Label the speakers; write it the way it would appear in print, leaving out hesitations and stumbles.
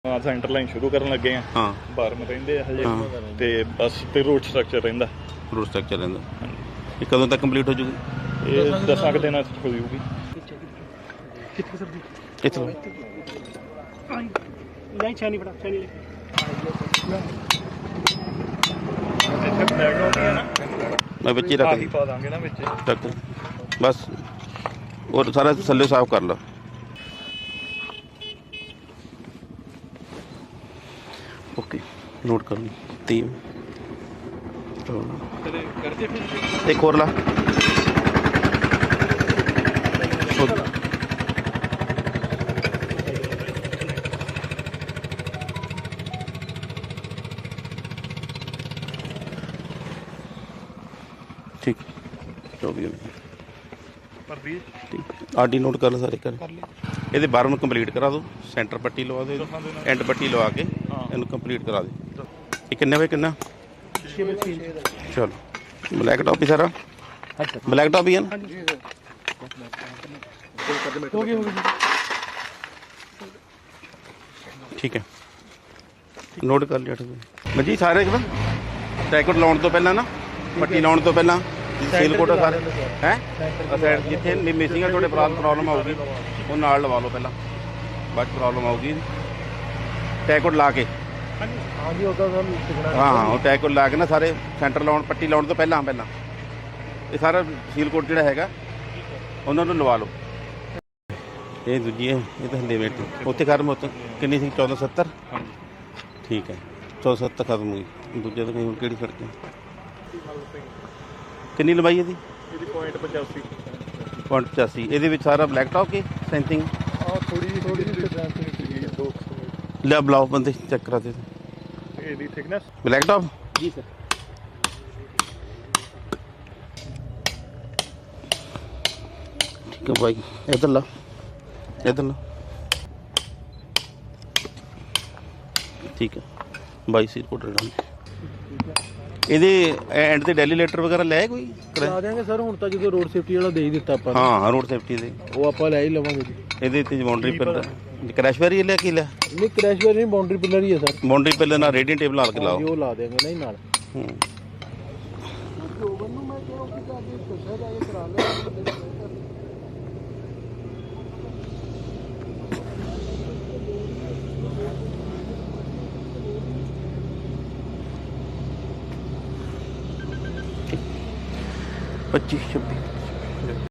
Speaker 1: Centre line ਸ਼ੁਰੂ ਕਰਨ ਲੱਗੇ ਆ।
Speaker 2: ਹਾਂ,
Speaker 1: ਬਾਰਮ ਰਹਿੰਦੇ ਆ ਹਜੇ ਤੇ ਬਸ ਤੇ ਰੋਡ ਸਟਰਕਚਰ ਰਹਿੰਦਾ।
Speaker 2: ਰੋਡ ਸਟਰਕਚਰ ਰਹਿੰਦਾ। ਇਹ ਕਦੋਂ ਤੱਕ ਕੰਪਲੀਟ ਹੋ ਜੂਗੀ?
Speaker 1: ਇਹ 10 ਕੁ ਦਿਨਾਂ 'ਚ ਹੋ ਜੂਗੀ।
Speaker 2: ਇੱਥੋਂ ਮੈਂ ਵਿੱਚ ਹੀ ਰੱਖ
Speaker 1: ਪਾ ਦਾਂਗੇ ਨਾ ਵਿੱਚ
Speaker 2: ਰੱਖ ਬਸ। ਔਰ ਸਾਰਾ ਥੱਲੇ ਸਾਫ਼ ਕਰ ਲਾ। ਓਕੇ, ਨੋਟ ਕਰ ਲਈ 3 एक और ला। ठीक, 24 आर डी नोट कर लो सारे कर ये बारह कंप्लीट करा दो। सेंटर पट्टी लवा दो, एंड पट्टी लवा के इन कंप्लीट करा दो। ये किन्ने बाय किन्ना? चलो ब्लैक टॉप ही सारा ब्लैक टॉप ही है ना? ठीक है, नोट कर लिया जी सारे एकदम। टैकट लाने तो पहला ना, पट्टी लाने तो पहला सील कोट सारे हैं साइड जिथे मिसिंग है थोड़े प्रॉब्लम आऊगी वो नाल लवा लो पहला, बाद प्रॉब्लम आऊगी टैकट ला के। हाँ हाँ, वो टैग ला के ना सारे सेंटर लाउन पट्टी लाउन तो पहला ये सारा सील कोट जो है उन्होंने लवा लो। ये दूजी है, ये तो हल्ले वेट उत्थे खत्म होते किन्नी सी 1470। ठीक है, 1470 खत्म हुई। दूजे तो कहीं कि सड़क किन्नी लंबाई है? 0.85। ये सारा ब्लैक टॉप की सेंसिंग लिया ब्लाउ बंदे चेक कराते ब्लैक टॉप जी सर। ठीक है भाई, इधर ला इधर ला। ठीक है भाई, सीट कोट डाल ਇਹਦੇ ਐਂਡ ਤੇ ਡੈਲੀ ਲੈਟਰ ਵਗੈਰਾ ਲੈ ਕੋਈ
Speaker 3: ਕਰਾ ਦੇਾਂਗੇ ਸਰ। ਹੁਣ ਤਾਂ ਜਦੋਂ ਰੋਡ ਸੇਫਟੀ ਵਾਲਾ ਦੇ ਹੀ ਦਿੱਤਾ ਆਪਾਂ।
Speaker 2: ਹਾਂ, ਰੋਡ ਸੇਫਟੀ ਦੇ
Speaker 3: ਉਹ ਆਪਾਂ ਲੈ ਹੀ ਲਵਾਂਗੇ ਜੀ।
Speaker 2: ਇਹਦੇ ਤੇ ਬਾਉਂਡਰੀ ਪਿਲਰ ਕ੍ਰੈਸ਼ ਵੈਰੀ ਲੈ ਕੇ ਲੈ
Speaker 3: ਨਹੀਂ, ਕ੍ਰੈਸ਼ ਵੈਰੀ ਨਹੀਂ, ਬਾਉਂਡਰੀ ਪਿਲਰ ਹੀ ਹੈ ਸਰ।
Speaker 2: ਬਾਉਂਡਰੀ ਪਿਲਰ ਨਾਲ ਰੇਡੀਅਨ ਟੇਬਲ ਲਾ ਕੇ ਲਾਓ।
Speaker 3: ਉਹ ਲਾ ਦੇਾਂਗੇ ਨਹੀਂ ਨਾਲ।
Speaker 2: पच्चीस 26